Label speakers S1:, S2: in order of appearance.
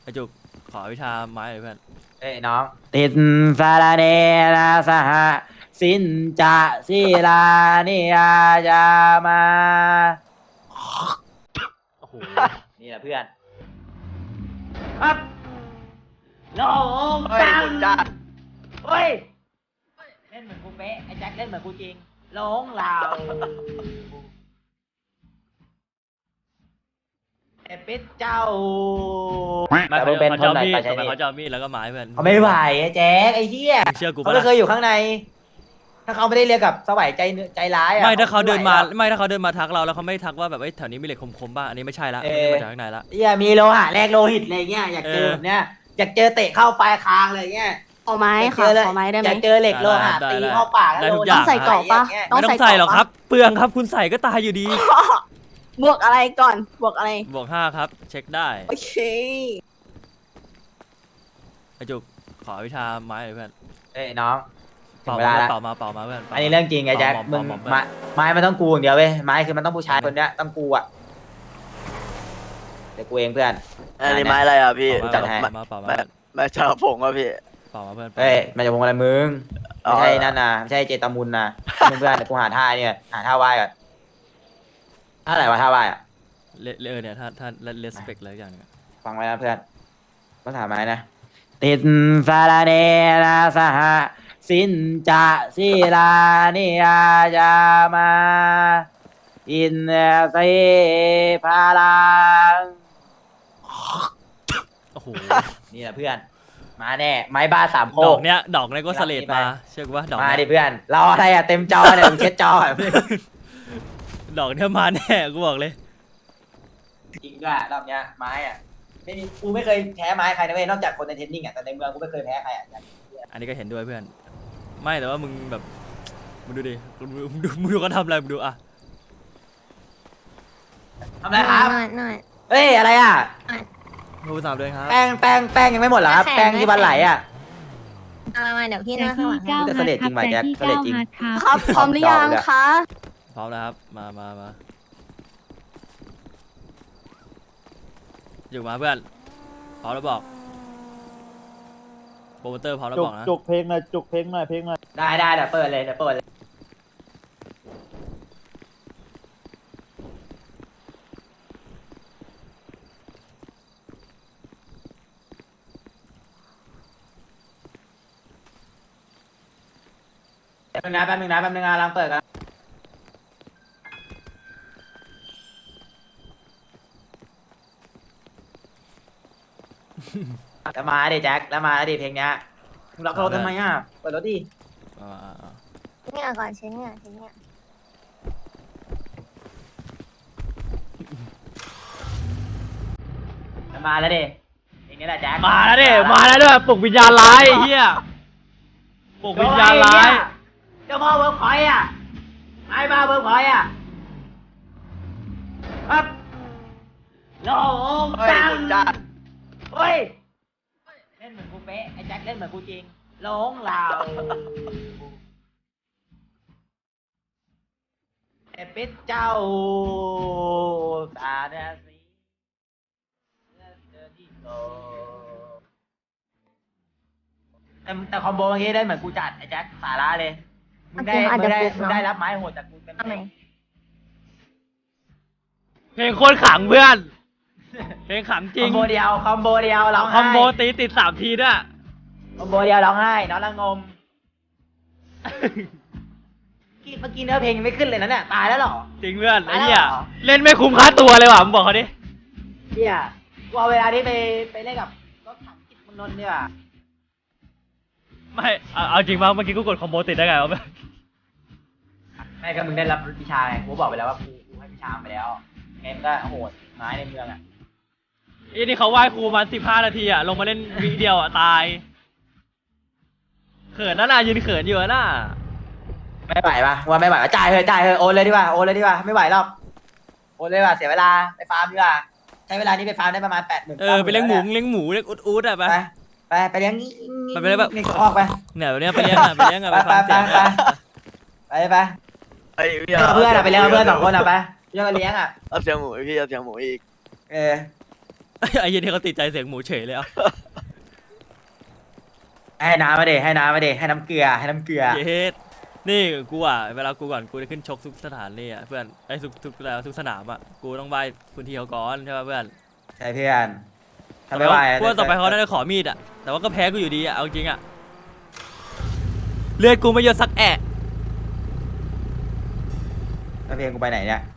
S1: ไอจุกขอวิชาไม้หน่อยเพื่อน
S2: เอ้ยน้องติดสารเนนะสหสินจะศิลานิยาจามา
S1: โอ้โห
S2: นี่แหละเพื่อนครับน้องจังเฮ้ยเล่นเหมือนกูเป๊ะไอ้แจ็คเล่นเหมือนกูจริงหลงเราไอ้ปิดเจ้าแต่มึงเป็น
S1: เขา
S2: ค
S1: จะ
S2: น
S1: เอา
S2: ไหน
S1: มีด
S2: ไปใช้
S1: ทำไม
S2: นี่
S1: เขาจะเอามีดแล้วก็ไม้เพื่อน
S2: เขาไม่ไหวไอ้แจ็คไอ้เหี้ย
S1: เชื่อกู
S2: เขา
S1: ปะ
S2: ไม่เคยอยู่ข้างใน ถ้าเขาไม่ได้เรียกกับสวายใจร้ายอ่ะ
S1: ไม่ถ้าเขาเดินมา
S2: ไม่ไหวหรอก
S1: ไม่ถ้าเขาเดินมาทักเราแล้วเขาไม่ทักว่าแบบแถวนี้มีเหล็กคมๆบ้างอันนี้ไม่ใช่ละไม่ได้มาจากข้างในละ
S2: เหี้ยมีโลหะแลกโลหิตอะไรเงี้ยอยากเจอแบบเนี้ยอยากเจอเตะเข้าปลายคางอะไรเงี้ย
S3: ขอไม้
S2: อยากเจ
S3: ค่ะ
S2: อเลย
S3: ขอไม้ได้ไห
S2: อ
S3: ม
S2: ยากเจอเหล็กโลหะตีเข้าปากแล้วโล
S3: ต้องใส่กรอบปะ
S1: ไม่ต้องใส่หรอกครับเปลืองครับคุณใส่ก็ตายอยู่ดี
S3: บวกอะไรก่อนบวกอะไร
S1: บวก5ครับเช็คได้
S3: โอเค
S1: ไอจุกขอวิชาไม้หน่อยเพื่อน
S2: เอ้ยน้องถึ
S1: เป่าง
S2: เวลาแล้ว
S1: เป่ามาเพื่อน
S2: อันนี้เรื่องจริงไอ้แจ็คมึงไม้มันต้องกูอย่างเดียวเว้ยไม้คือมันต้องผู้ชายคนเนี้ยต้องกูอ่ะเดี๋ยวกูเองเพื่อน
S4: อันนี้ไม้อะไรอ่ะพี่
S2: จัดให้
S1: เป่ามา
S4: ไม้ชาวผงอ่ะพี่
S1: เป่ามาเพื่อน
S2: เฮ้ยมันจะวงอะไรมึง
S4: อ๋อ
S2: ไม่ใช่นั่นนะไม่ใช่เจตามุนนะเพื่อนเดี๋ยวกูหาท่าเนี่ยหาท่าไหว้ก่อนท่าไหนวะท่าไหว้อะ
S1: เนี่ยถ้าเลสเปกเลยอย่างนึง
S2: ฟังไว้นะเพื่อนก็ถามไม้นะติดสารเนนะสหสินจะศิลานิยาจามาอินเสพาลัง
S1: โอ้โห
S2: นี่แหละเพื่อนมาแน่ไม้บ้าสามโค
S1: ดอก
S2: ก
S1: เนี้ยก็สเลดมาเชื่อกูว่าดอก
S2: มาดิ
S1: เนี้ย
S2: เพื่อนรออะไรอ่ะเต็มจอเนี่ยมึงเช็ดจออ่ะ
S1: ดอกเนี้ยมาแน่กูบอกเลย
S2: จริงด้วยรอบเนี้ยไม้อ่ะไม่มีกูไม่เคยแพ้ไม้ใครนะเว้ยนอกจากคนในเทนนิ่งอ่ะแต่ในเมืองกูไม่เคยแพ้ใครอ่ะ
S1: อันนี้ก็เห็นด้วยเพื่อน ไม่แต่ว่ามึงแบบมึงดูดิมึงดูเขาทำอะไรมึงดูอะ
S2: ทำไรครับ
S3: หน่อย
S2: เฮ้ยอะไรอ่ะ
S1: ดูสามเดือนครับ
S2: แป้งยังไม่หมดเหรอครับแป้งที่วันไหลอ่ะ
S3: มาเดี๋ยวพี่นั่งข้างหลัง
S2: กูจะเสลดจริงว่ะแจ็คเสลดจริง
S3: ครับพร้อมหรือยังคะ
S1: พร้อมแล้วครับมาอยู่มาเพื่อนพร้อมแล้วบอกโปรโมเตอร์พร้อมแล้วบอกนะ
S5: จุกเพลงหน่อยจุกเพลงหน่อยเพลงหน่อย
S2: ได้เดี๋ยวเปิดเลยแป๊บนึงนะกำลังเปิดกันจะมาดิแจ็คแล้วมาดิเพลงเนี้ยมึงล็อกรถทำไมอ่ะเปิดรถดิ
S1: อ่า
S3: เนี่ยก่อนเช็ดเนี่ย
S2: มาแล้วดิเพลงนี้แหละแจ็ค
S1: มาแล้วดิมาแล้วด้วยปลุกวิญญาณร้ายไอ้เหี้ยปลุกวิญญาณร้าย
S2: เจ้าพ่อเวิร์กพอยต์อ่ะไอ้บ้าเวิร์กพอยต์อ่ะครับโลง
S4: เฮ้ย
S2: จัง
S4: คุณจัด
S2: เฮ้ยเล่นเหมือนกูเป๊ะไอ้แจ็คเล่นเหมือนกูจริงหลงเราไอ้ปิดเจ้าตาเดสีแต่คอมโบเมื่อกี้ได้เหมือนกูจัดไอ้แจ็คสาระเลยมึงได้รับไม้โหดจากกูเต็ม
S3: ทำไม
S1: เพลงโคตรขังเพื่อนเพลงขังจริ
S2: คอง มโบเดียวร้องไห้
S1: คอมโบตีติด3 ทีด้วย
S2: คอมโบเดียวร้องไห้น้องละงม เมื่อกี้เนื้อเพลงยังไม่ขึ้นเลยนะเนี่ยตายแล้วเหรอ
S1: จริงเพื่อนไอ้เหี้ย
S2: ตายแล้วเหรอ
S1: เล่นไม่คุ้มค่าตัวเลยว่ะมึงบอกเขาดิ
S2: เฮียกูเอาเวลานี้ไปเล่นกับรถถังจิตเมืองนนท์ดีกว่า
S1: ไม่เอาจริงป่ะเมื่อกี้กูกดคอมโบติดได้ไงวะ
S2: ไม่ก็มึงได้รับวิชาไงกูบอกไปแล้วว่ากูให้วิชาไปแล้วเกมก็โหดไม้ในเมืองอ่ะ
S1: อีนี่เขาไหว้ครูมา15 นาทีอะลงมาเล่นวิเดียวอะตายเขินน่ะยืนเขินอยู่น่ะ
S2: ไม่ไหวปะว่าไม่ไหวจ่ายเถอะโอนเลยดีกว่าไม่ไหวหรอกโอนเลยดีกว่าเสียเวลาไปฟาร์มดีกว่าใช้เวลานี้ไปฟาร์มได้ประมาณ80,000
S1: ไปเลี้ยงหมูเลี้ยงอู๊ดอะไป
S2: ไปเลี้ยง
S1: ไปเลี้ยงแบบ
S2: ออกไป
S1: เนี่ยแบบเนี้ยไปเลี้ยงอะไปฟังเสียง
S2: ไป
S4: ไอ้พี่
S2: เลี้ยงกับเพื่อนอะไปเลี้ยงกับเพื่อน2 คนอะไปเลี้ยงกับเลี้ยงอะ
S4: เอาเสียงหมูพี่เอาเสียงหมูอีก
S2: เออ
S1: ไอ้เหี้ยนี่เขาติดใจเสียงหมูเฉยเลยอ่ะ
S2: ให้น้ำมาเดให้น้ำมาเดให้น้ำเกลือให้น้ำเกลือ
S1: เย็ดนี่กูอ่ะเวลากูก่อนกูจะขึ้นชกทุกสถานเลยอ่ะเพื่อนไอ้ทุกสนามอ่ะกูต้องไหว้พื้นที่เขาก่อนใช่ป่ะเพื่อน
S2: ใช่เพื่อนทำไม่ไหว
S1: กูว่าต่อไปเขาน่าจะขอมีดอ่ะแต่ว่าก็แพ้กูอยู่ดีอ่ะเอาจริงอ่ะเลือดกูไม่เยอะสักแอะ
S2: แล้วเพลงกูไปไหนเนี่ย